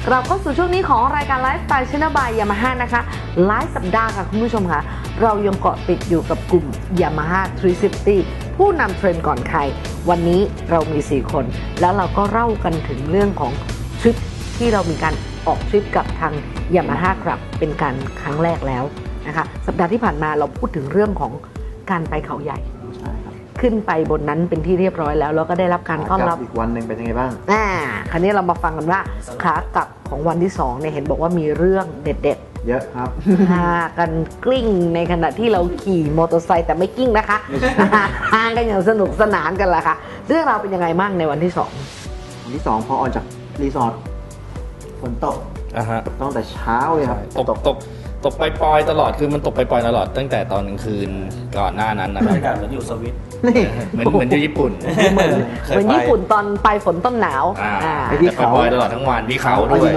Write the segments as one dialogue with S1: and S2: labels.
S1: เราเข้าสู่ช่วงนี้ของรายการไลฟ์สไตล์ชนะบายยามาฮ่านะคะหลายสัปดาห์ค่ะคุณผู้ชมค่ะเรายังเกาะติดอยู่กับกลุ่ม Yamaha 360 ผู้นำเทรนด์ก่อนใครวันนี้เรามี4คนแล้วเราก็เล่ากันถึงเรื่องของทริปที่เรามีการออกทริปกับทาง Yamaha ครับเป็นการครั้งแรกแล้วนะคะสัปดาห์ที่ผ่านมาเราพูดถึงเรื่องของการไปเขาใหญ่ขึ้นไปบนนั้นเป็นที่เรียบร้อยแล้วแล้วก็ได้รับการต้อนรับ
S2: อีกวันหนึ่งเป็นยังไงบ้าง
S1: คราวนี้เรามาฟังกันว่าขากลับของวันที่2เนี่ยเห็นบอกว่ามีเรื่องเด็ด
S2: ๆเยอะครับ
S1: พากันกลิ้งในขณะที่เราขี่มอเตอร์ไซค์แต่ไม่กลิ้งนะคะพากันอย่างสนุกสนานกันละค่ะเรื่องราวเป็นยังไงบ้างในวันที่2
S2: วันที่2พอออกจากรีสอร์ทฝนตกตั้งแต่เช้าเลยครับ
S3: ตกปล่อยๆตลอดคือมันตกปล่อยๆตลอดตั้งแต่ตอนกลางคืนก่อนหน้านั้นนะครับ
S4: เหมือนอยู่สวิต
S3: เหมือนที่ญี่ปุ่น
S1: เหมือนญี่ปุ่นตอนปลายฝนต้นหนาว
S3: ไปที่เขาปล่อยตลอดทั้งวันที่เขาด้วย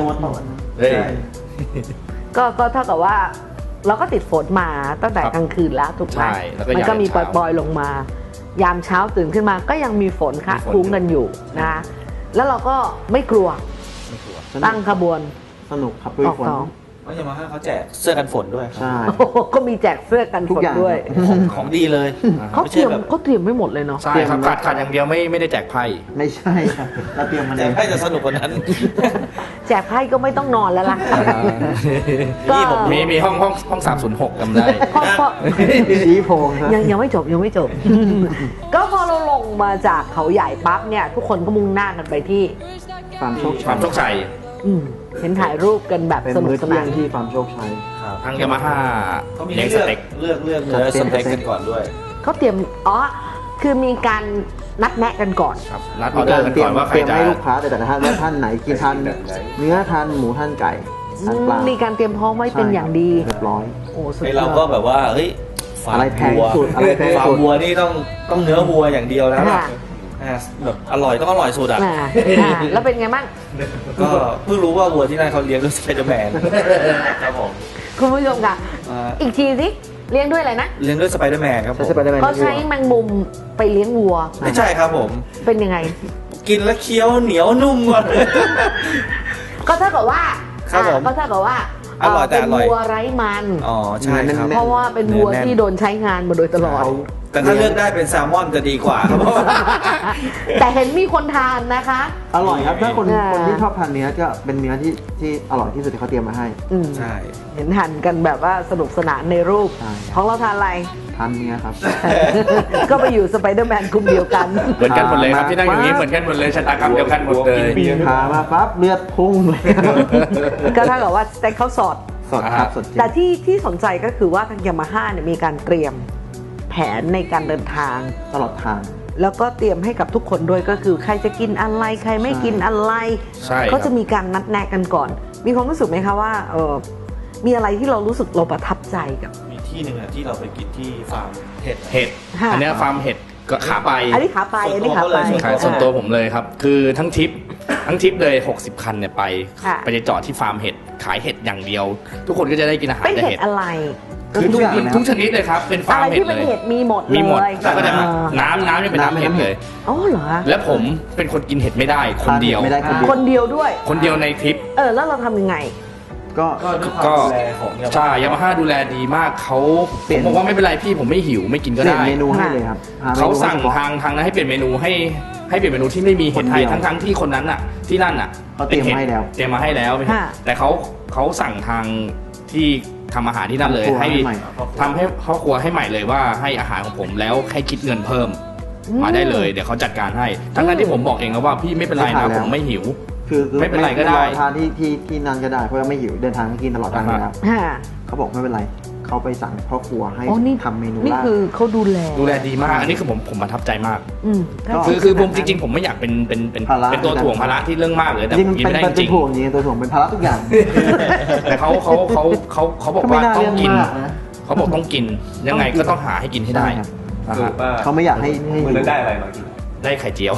S1: ก็เท่ากับว่าเราก็ติดฝนมาตั้งแต่กลางคืนแล้วถูกไหมมันก็มีปล่อยๆลงมายามเช้าตื่นขึ้นมาก็ยังมีฝนค่ะคุ้งกันอยู่นะแล้วเราก็ไม่กลัวตั้งขบวน
S2: สนุกครับด้วยฝน
S4: เพราะยามาฮ่าเขาแจกเสื้อกันฝนด้วย
S2: ใช่
S1: ก็มีแจกเสื้อกันฝนด้วย
S4: ของดีเลย
S1: เขาเตรียมไม่หมดเลยเนาะ
S3: ใช่ครับขาดอย่างเดียวไม่ได้แจกไพ่
S2: ไม่ใช่ครับเราเตรียมมา
S4: แจกไพ่จะสนุกกว่านั้น
S1: แจกไพ่ก็ไม่ต้องนอนแล้วล่ะ
S3: นี่ผมมีห้อง306จำได้
S2: ชี้โพง
S1: ยังไม่จบก็พอเราลงมาจากเขาใหญ่ปั๊บเนี่ยทุกคนก็มุ่งหน้ากันไปที่
S2: ฟาร์มโช
S3: คชัย
S1: เห็นถ่ายรูปกันแบบสนุกสนาน
S2: ที่ฟาร์มโชคชัย
S3: ทางยามาฮ่า
S4: เขามีเลือกเนื้อสเต็กกันก่อนด้วย
S1: เขาเตรียมคือมีการนัดแนะกันก่อน
S3: ครับนัดออเดอร์กันก่อนว่าใครจะ
S2: ให้ลูกค้าแต่ท่านไหนกินทานเนื้อทานหมูทานไก่
S1: มีการเตรียมพร้อมไว้เป็นอย่างดี
S2: เรียบร้อย
S1: โอ้สุดยอด
S4: เราก็แบบว่าเฮ้ย
S2: อะไรแพงสุด
S4: ฟาร์มวัวนี่ต้องเนื้อวัวอย่างเดียวแล้วแบบอร่อยต้องอร่อยสุด
S1: แล้วเป็นไงบ้าง
S4: ก็เพิ่งรู้ว่าวัวที่นั่นเขาเลี้ยงด้วยสไปเดอร์แมนครับผม
S1: คุณผู้ชมค่ะอีกทีสิเลี้ยงด้วยอะไรนะ
S4: เลี้ยงด้วยสไปเดอร์แมนครับผม
S1: เขาใช้แมงมุมไปเลี้ยงวัว
S4: ไม่ใช่ครับผม
S1: เป็นยังไง
S4: กินแล้วเคี้ยวเหนียวนุ่มหมด
S1: ก็เท่ากับว่า
S4: อร่อยแต่อร่อย
S1: วัวไร้มัน
S4: ใช่ครับ
S1: เพราะว่าเป็นวัวที่โดนใช้งานมาโดยตลอด
S4: แต่ถ้าเลือกได้เป็นแซลมอนจะดีกว่าครับ
S1: แต่เห็นมีคนทานนะคะ
S2: อร่อยครับถ้าคนที่ชอบทานเนื้อก็เป็นเนื้อที่อร่อยที่สุดที่เขาเตรียมมาให้
S4: ใช่
S1: เห็นหั่นกันแบบว่าสนุกสนานในรูปของเราทานอะไร
S2: ทานเนื้อครับ
S1: ก็ไปอยู่สไปเดอร์แมนกลุ่มเดียวกัน
S3: เหมือนกันหมดเลยครับที่นั่งอยู่นี้เหมือนกันหมดเลยชะตากรรมเดียวกันหมดเลย
S2: พามาปั๊บเลือดพุ่งเลย
S1: ก็เท่ากับว่าสเต็กเขาสด
S2: ครับ
S1: แต่ที่สนใจก็คือว่าทางยามาฮ่าเนี่ยมีการเตรียมแผนในการเดินทาง
S2: ตลอดทาง
S1: แล้วก็เตรียมให้กับทุกคนด้วยก็คือใครจะกินอะไรใครไม่กินอะไรเขาจะมีการนัดแนะกันก่อนมีความรู้สึกไหมคะว่ามีอะไรที่เรารู้สึกเราประทับใจกับ
S4: มีที่หนึ่งที่เราไปกินที่ฟาร์มเห็ด
S3: อันนี้ฟาร์มเห็ดก็ขาไป
S1: อันนี้ขาไป
S3: ส่วนตัวผมเลยครับคือทั้งทริปเลย60 คันเนี่ยไปจอดที่ฟาร์มเห็ดขายเห็ดอย่างเดียวทุกคนก็จะได้กินอาหาร
S1: แต่เห็ดอะไร
S3: คือทุกชนิดเลยครับเป็นฟาร์มเห็ดเลย
S1: มีหมด
S3: แล้วก็จะน้ำยังเป็นน้ำเห็ดเลย
S1: อ๋อเหรอ
S3: แล้วผมเป็นคนกินเห็ดไม่ได้คนเดียว
S1: ด้วย
S3: คนเดียวในทริป
S1: แล้วเราทำยังไง
S3: ก็ใช่ยามาฮ่าดูแลดีมากเขาผมบอกว่าไม่เป็นไรพี่ผมไม่หิวไม่กินก็ได้
S2: เมนูให้เลยครับ
S3: เขาสั่งทางนั้นให้เปลี่ยนเมนูให้เปลี่ยนเมนูที่ไม่มีเห็ดไทยทั้งที่คนนั้นน่ะที่นั่นน่ะ
S2: เขาเตรียมมาให้
S3: แล้วแต่เขาสั่งทางที่ทำอาหารที่นั่นเลยให้ทำให้ครอบครัวให้ใหม่เลยว่าให้อาหารของผมแล้วให้คิดเงินเพิ่มมาได้เลยเดี๋ยวเขาจัดการให้ทั้งนั้นที่ผมบอกเองแล้วว่าพี่ไม่เป็นไรนะผมไม่หิว
S2: คือ
S3: ไม่เป็นไรก็ได้
S2: ทานที่นั่นก็ได้เพราะว่าไม่หิวเดินทางกินตลอดทางแล้วเขาบอกไม่เป็นไรเขาไปสั่งพ่อครัวให้ทำเมนู
S1: นี่คือเขาดูแล
S3: ดีมากอันนี้คือผมประทับใจมากคือผมจริงๆผมไม่อยากเป็นตัวถ่วงภาระที่เรื่องมากเลยแต่ผมกินไม่ได้จริง
S2: ตัวถ่วงเป็นภาระทุกอย่าง
S3: แต่เขาบอกว่าต้องกินเขาบอกต้องกินยังไงก็ต้องหาให้กินให้ได้
S2: เขาไม่อยากให้
S4: ได้อะไรมากิน
S3: ได้ไข่เจียว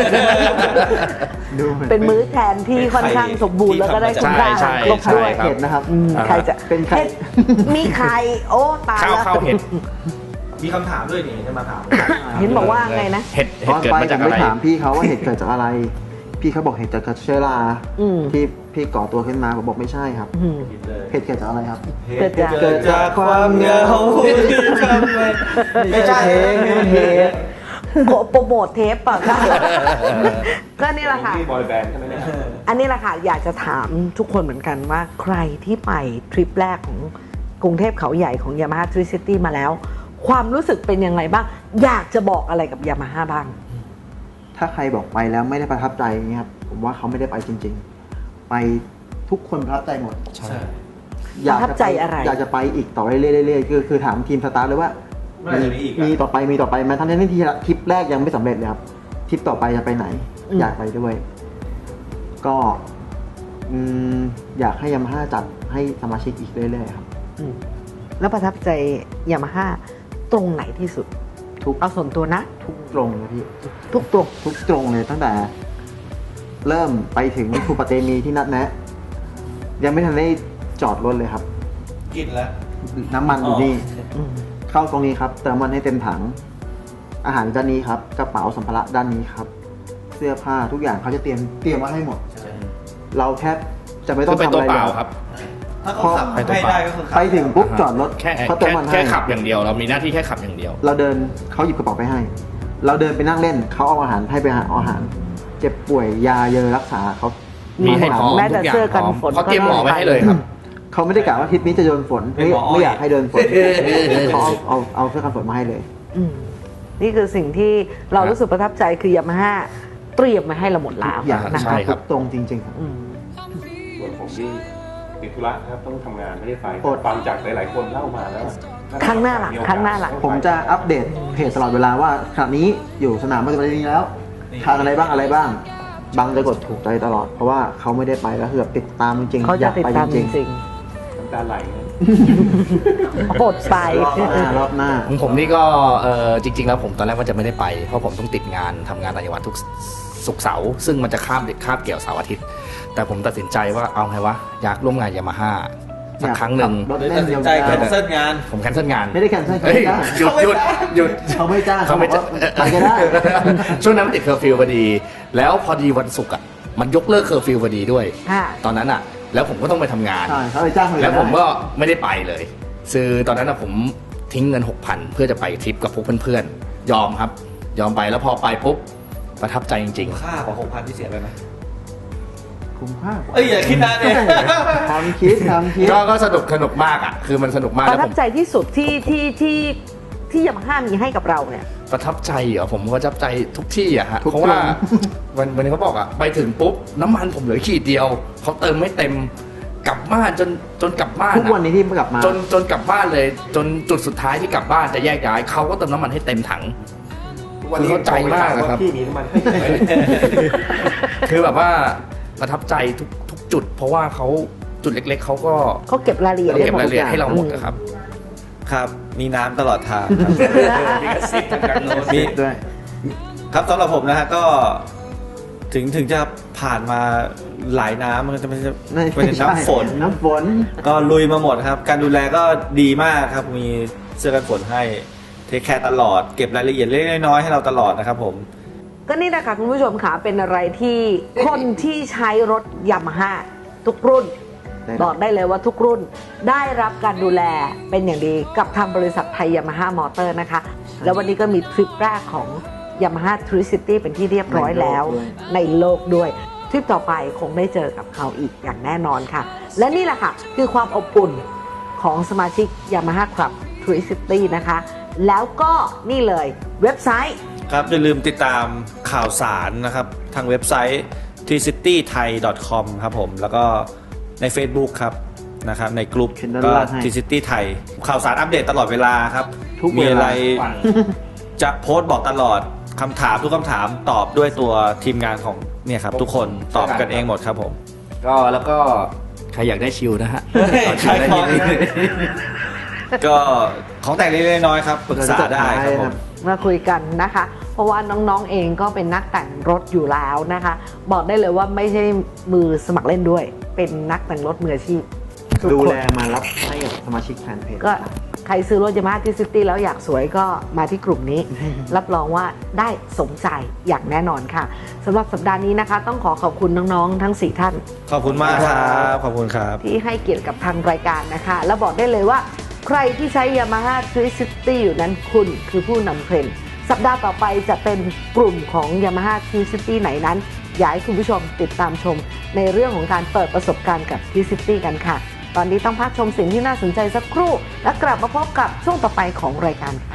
S1: เป็นมื้อแทนที่ค่อนข้างสมบูรณ์แล้วก็ได้คุณค่าครบถ้วน
S2: เห็ดนะครับ
S1: ใครจะเป็นมีไข่โอ้ตายแล้ว
S3: ข้าวเห็ด
S4: มีคำถามด้วยนี่จะมาถาม
S1: เห็นบอกว่าไงนะ
S3: เห็ดเกิดมาจากอะไร
S2: ถามพี่เขาว่าเห็ดเกิดจากอะไรพพี่เขาบอกเหตุจากเชื้อรา ที่พี่ก่อตัวขึ้นมาผมบอกไม่ใช่ครับเหตุเกิดจากอะไรครับ
S1: เกิดจาก
S4: ความเหงาที่ทำไม่ใช่เหตุ
S1: โปรโมทเทปป่ะคะก็นี่แหละค่ะ
S5: นี่บอยแบนด์ใช่ไหมเนี่ย
S1: อันนี้แหละค่ะอยากจะถามทุกคนเหมือนกันว่าใครที่ไปทริปแรกของกรุงเทพเขาใหญ่ของ Yamaha Tricity มาแล้ว ความรู้สึกเป็นยังไงบ้างอยากจะบอกอะไรกับ Yamaha บ้าง
S2: ถ้าใครบอกไปแล้วไม่ได้ประทับใจอย่างเงี้ยครับผมว่าเขาไม่ได้ไปจริง ๆ ไปทุกคนประทับใจหมด
S4: ใช่
S1: ประทับใจอะไร
S2: อยากจะไปอีกต่อเรื่อยๆคือถามทีมสตาฟเลยว่า
S4: เมื่อไหร่จะมีอีกอะ
S2: มีต่อไปไหมทั้งที่ทริปแรกยังไม่สำเร็จเลยครับทริปต่อไปจะไปไหน อยากไปด้วย ก็อยากให้ยามาฮ่าจัดให้สมาชิกอีกเรื่อยๆครับ
S1: แล้วประทับใจ Yamaha ตรงไหนที่สุด
S2: ทุก
S1: เอาส่วนตัวนะ
S2: ทุกตรงเลยพี่
S1: ทุกตรง
S2: ทุกตรงเลยตั้งแต่ เริ่มไปถึงคูปาเตมีที่นัดแนะ ยังไม่ทันได้จอดรถเลยครับ
S4: กินแล้ว
S2: น้ำมันอยู่นี่
S1: อืม
S2: เข้าตรงนี้ครับเติมมันให้เต็มถัง อาหารด้านนี้ครับกระเป๋าสัมภาระด้านนี้ครับ เสื้อผ้าทุกอย่างเขาจะเตรียมมาให้หมด เราแค่จะไม่ต้
S3: คือ อง เป็น
S2: ทำ
S3: ตัว
S2: อะไร
S3: เป
S2: เล
S3: ล่าย ครับ
S4: ถ้าเขาขับให้ได้ก็คือขับ
S2: ไปถึงปุ๊บจอดรถ
S3: แค่
S2: เขาเติมมันให้
S3: แค่ขับอย่างเดียว เรามีหน้าที่แค่ขับอย่างเดียว
S2: เราเดินเขาหยิบกระเป๋าไปให้ เราเดินไปนั่งเล่นเขาเอาอาหารให้ไปหาอาหาร เจ็บป่วยยาเยอะรักษาเขา
S3: มีให้พร้อม
S1: แม้แต่
S3: ทุกอย่าง
S1: เสื้อกัน
S3: พร้อม
S1: ฝน
S3: เขาเตรียมหมอไว้ให้เลยครับ
S2: เขาไม่ได้กะว่าทริปนี้จะโดนฝน
S4: เป็นหมออ้อย
S2: ไม่อยากให้เดินฝนเขาเอาเสื้อกันฝนมาให้เลย
S1: อืมนี่คือสิ่งที่เรารู้สึกประทับใจคือ Yamaha เตรียมมาให้เราหมดแล้ว
S2: อย่าง
S1: นะ
S3: ใช่
S1: คะ
S3: ครับ
S2: ตรงจริงๆครับ
S1: อืม
S5: ส่วนผมนี่ติดธุระครับต้องทำงานไม่ได้ไป
S2: อด
S5: ฟังจากหลายๆคนเล่ามาแล้ว
S1: ครั้งหน้าล่ะครั้งหน้าล่ะ
S2: ผมจะอัปเดตเพจตลอดเวลาว่าขณะนี้อยู่สนามปฏิบัตินี้แล้วทางอะไรบ้างบางจะกดถูกใจตลอด เพราะว่าเขาไม่ได้ไปแล้วคือแบบติดตามจริงๆ
S1: เขา
S2: อ
S1: จะ
S2: ยาก
S1: ติด
S2: ไป
S1: ตาม
S2: จ
S1: จ
S2: ริง
S1: ริง
S5: น้ำตาไหลเลย
S1: ๆอดไป
S2: รอบหน้า
S3: ของผมนี่ก็จริง ๆ แล้วผมตอนแรกว่าจะไม่ได้ไป เพราะผมต้องติดงานทำงานต่างจังหวัดทุกศุกร์เสาร์ซึ่งมันจะคาบเกี่ยวเสาร์อาทิตย์ แต่ผมตัดสินใจว่าเอาไงวะอยากร่วมงานยามาฮ่าสักครั้งหนึ่ง
S2: รถ
S4: เลย
S2: เล่
S4: ตัด
S2: น
S4: สิน
S2: ยาว
S4: ใจแคนเซิลงาน
S3: ผมแคนเซิลงาน
S2: ไม่ได้แคนเซิลเขา
S3: เฮ้ย
S2: ไม่จ้าง
S3: หยุด
S2: เขาไม่จ้าง
S3: เขาไม่
S2: บอกว่าไปก็ได้
S3: ช่วงนั้นมันติดเคอร์ฟิวพอดี แล้วพอดีวันศุกร์อ่ะมันยกเลิกเคอร์ฟิวพอดีด้วย
S1: ค่ะ
S3: ตอนนั้นอ่ะ แล้วผมก็ต้องไปทำงาน
S2: ใช่เขาไปจ้างเลย
S3: แล้วผมก็ไม่ได้ไปเลยคือตอนนั้นนะผมทิ้งเงิน 6,000 เพื่อจะไปทริปกับพวกเพื่อนๆ ยอมครับ ยอมไปแล้วพอไปปุ๊บประทับใจจริง
S4: ค่ากว่า6,000ที่เสียไปไหม
S2: คุ้มค่า
S4: เอ้ยอย่าคิดนานเลย
S2: ทำคิด
S3: ๆ ก็สนุกมากอ่ะ คือมันสนุกมาก
S1: ป
S3: แล้ว
S1: ระทั
S3: ผ
S1: บ
S3: ม
S1: ใจที่สุดที่Yamahaมีให้กับเราเนี่ย
S3: ประทับใจเหรอผมประทับใจทุกที่อะฮะ
S2: ทุก
S3: เพราะว่า
S2: ครั้
S3: วันนี้เขาบอกอะไปถึงปุ๊บน้ำมันผมเหลือขีดเดียวเขาเติมไม่เต็มกลับบ้านจนกลับบ้าน
S2: ทุกวันนี้ที่กลับมา
S3: จนกลับบ้านเลย จนจุดสุดท้ายที่กลับบ้านจะแยกย้ายเขาก็เติมน้ำมันให้เต็มถัง คือเข้าใจมากนะครับ
S5: พี่มีน้ำมันให้ไหม
S3: คือแบบว่าประทับใจทุกจุด เพราะว่าเขาจุดเล็ก ๆเขาก็
S1: เขาเก็บรายละเอียด
S3: เก็บ
S1: ไว้หมด
S3: รายละเอียด
S1: ทุก
S3: ให้เรา
S1: อย่าง
S3: หมดนะครับ
S4: ครับ มีน้ำตลอดทางครับ
S3: มีกระซิบทางการโน้ต
S4: มี
S2: ด้วย
S4: ครับสำหรับผมนะฮะก็ถึงจะผ่านมาหลายน้ำมันจะไม่ใช่เป็นน้ำฝน
S2: น้ำฝน
S4: ก็ลุยมาหมดครับ การดูแลก็ดีมากครับ มีเสื้อกันฝนให้เทคแคร์ตลอด เก็บรายละเอียดเล็กๆน้อยๆให้เราตลอดนะครับผม
S1: ก็นี่นะคะคุณผู้ชมค่ะเป็นอะไรที่คนที่ใช้รถYamahaทุกรุ่น
S2: ได้ครับ
S1: บอกได้เลยว่าทุกรุ่นได้รับการดูแลเป็นอย่างดีกับทางบริษัทไทยYamaha Motor นะคะ แล้ววันนี้ก็มีทริปแรกของ Yamaha Tricity เป็นที่เรียบร้อยแล้วในโลกด้วย ทริปต่อไปคงได้เจอกับเขาอีกอย่างแน่นอนค่ะ และนี่แหละค่ะคือความอบอุ่นของสมาชิก Yamaha Club Tricity นะคะ แล้วก็นี่เลยเว็บไซต์
S4: ครับอย่าลืมติดตามข่าวสารนะครับทางเว็บไซต์ tcitythai.com ครับผมแล้วก็ใน Facebook ครับนะครับในกลุ่ม
S2: เขียนด้าน
S4: ก็
S2: ล่างให้
S4: tcity thai ข่าวสารอัปเดตตลอดเวลาครับ
S2: ทุกเวลามี
S4: มีอะไรจะโพสต์บอกตลอดคำถามทุกคำถามตอบด้วยตัวทีมงานของเนี่ยครับทุกคนตอบกันเองหมดครับผม
S3: ก็แล้วก็ใครอยากได้ชิลนะฮะ
S4: ใครของ ก็ของแต่งเล็กๆน้อยๆครับปรึกษาได้ครับผม
S1: มาคุยกันนะคะ เพราะว่าน้องๆเองก็เป็นนักแต่งรถอยู่แล้วนะคะ บอกได้เลยว่าไม่ใช่มือสมัครเล่นด้วย เป็นนักแต่งรถมืออาชีพทุก
S2: ดู
S1: คน
S2: แลมารับให้กับสมาชิกแฟนเพจ
S1: ก็ใครซื้อรถยามาฮ่าที่ซิตี้แล้วอยากสวยก็มาที่กลุ่มนี้ รับรองว่าได้สมใจอย่างแน่นอนค่ะสำหรับสัปดาห์นี้นะคะ ต้องขอบคุณน้องๆทั้ง4ท่าน
S4: ขอบคุณมากครับขอบคุณครับ
S1: ที่ให้เกียรติกับทางรายการนะคะ แล้วบอกได้เลยว่าใครที่ใช้ Yamaha 360 อยู่นั้นคุณคือผู้นำเทรนด์สัปดาห์ต่อไปจะเป็นกลุ่มของ Yamaha 360 ไหนนั้นอยากให้คุณผู้ชมติดตามชมในเรื่องของการเปิดประสบการณ์กับ 360 กันค่ะ ตอนนี้ต้องพักชมสิ่งที่น่าสนใจสักครู่ แล้วกลับมาพบกับช่วงต่อไปของรายการค่ะ